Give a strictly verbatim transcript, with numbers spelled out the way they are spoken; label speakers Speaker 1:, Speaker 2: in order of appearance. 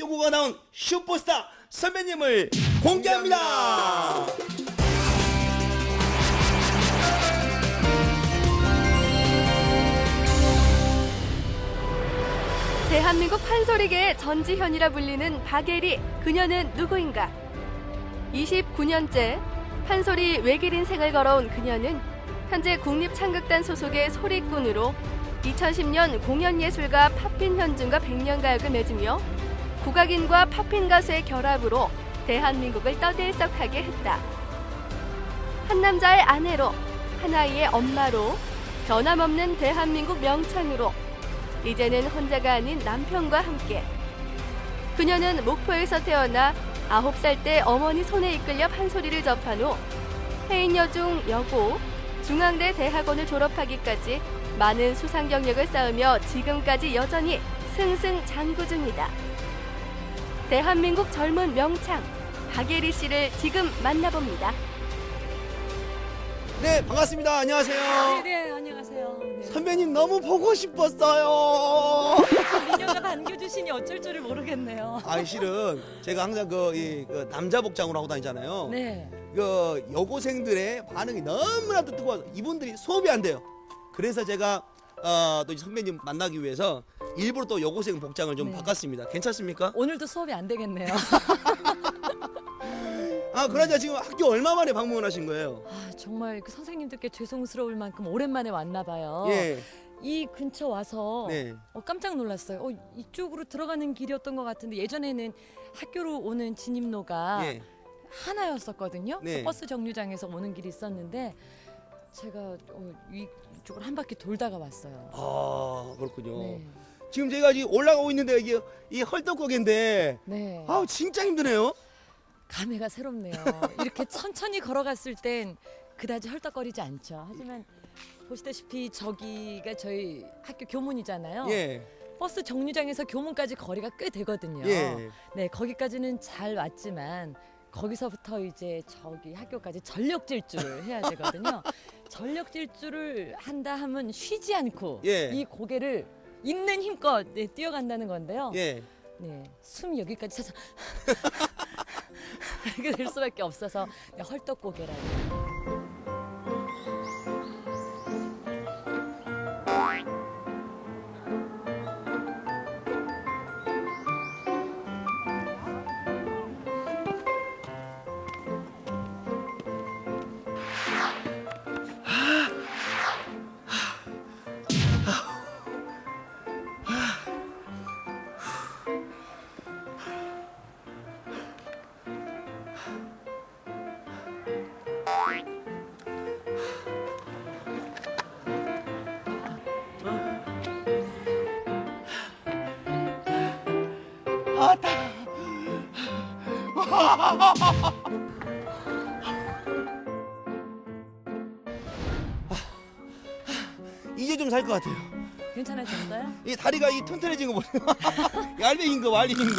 Speaker 1: 요구가 나온 슈퍼스타 선배님을 공개합니다.
Speaker 2: 대한민국 판소리계의 전지현이라 불리는 박예리, 그녀는 누구인가? 이십구 년째 판소리 외길 인생을 걸어온 그녀는 현재 국립창극단 소속의 소리꾼으로 이천십 년 공연예술가 팝핀 현준과 백년가역을 맺으며 국악인과 팝핀 가수의 결합으로 대한민국을 떠들썩하게 했다. 한 남자의 아내로, 한 아이의 엄마로, 변함없는 대한민국 명창으로 이제는 혼자가 아닌 남편과 함께. 그녀는 목포에서 태어나 아홉 살 때 어머니 손에 이끌려 판소리를 접한 후 해인여중 여고, 중앙대 대학원을 졸업하기까지 많은 수상 경력을 쌓으며 지금까지 여전히 승승장구 중이다. 대한민국 젊은 명창 박예리 씨를 지금 만나봅니다.
Speaker 1: 네, 반갑습니다. 안녕하세요.
Speaker 3: 네, 안녕하세요. 네.
Speaker 1: 선배님 너무 보고 싶었어요.
Speaker 3: 미녀가 반겨주시니 어쩔 줄을 모르겠네요.
Speaker 1: 아, 실은 제가 항상 그, 이, 그 남자 복장으로 하고 다니잖아요.
Speaker 3: 네.
Speaker 1: 그 여고생들의 반응이 너무나도 뜨거워서 이분들이 수업이 안 돼요. 그래서 제가 어, 또 선배님 만나기 위해서 일부러 또 여고생 복장을 좀
Speaker 3: 네.
Speaker 1: 바꿨습니다. 괜찮습니까?
Speaker 3: 오늘도 수업이 안 되겠네요.
Speaker 1: 아, 그러자 지금 학교 얼마 만에 방문을 하신 거예요?
Speaker 3: 아, 정말 그 선생님들께 죄송스러울 만큼 오랜만에 왔나 봐요.
Speaker 1: 예.
Speaker 3: 이 근처 와서
Speaker 1: 네.
Speaker 3: 어, 깜짝 놀랐어요. 어, 이쪽으로 들어가는 길이었던 것 같은데 예전에는 학교로 오는 진입로가
Speaker 1: 예.
Speaker 3: 하나였었거든요.
Speaker 1: 네.
Speaker 3: 그 버스 정류장에서 오는 길이 있었는데 제가 어, 이쪽을 한 바퀴 돌다가 왔어요.
Speaker 1: 아, 그렇군요.
Speaker 3: 네.
Speaker 1: 지금 제가 지금 올라가고 있는데 이게 이 헐떡거기인데
Speaker 3: 네.
Speaker 1: 아우 진짜 힘드네요.
Speaker 3: 감회가 새롭네요. 이렇게 천천히 걸어갔을 땐 그다지 헐떡거리지 않죠. 하지만 보시다시피 저기가 저희 학교 교문이잖아요.
Speaker 1: 예.
Speaker 3: 버스 정류장에서 교문까지 거리가 꽤 되거든요.
Speaker 1: 예.
Speaker 3: 네, 거기까지는 잘 왔지만 거기서부터 이제 저기 학교까지 전력 질주를 해야 되거든요. 전력 질주를 한다 하면 쉬지 않고
Speaker 1: 예.
Speaker 3: 이 고개를 있는 힘껏 네, 뛰어간다는 건데요.
Speaker 1: 예.
Speaker 3: 네, 숨 여기까지 차서 이렇게 될 수밖에 없어서 네, 헐떡고개라고.
Speaker 1: 아따. 이제 좀 살 것 같아요.
Speaker 3: 괜찮아졌어요?
Speaker 1: 이 다리가 이 튼튼해진 거 보세요. 얄미인 거 말린 거.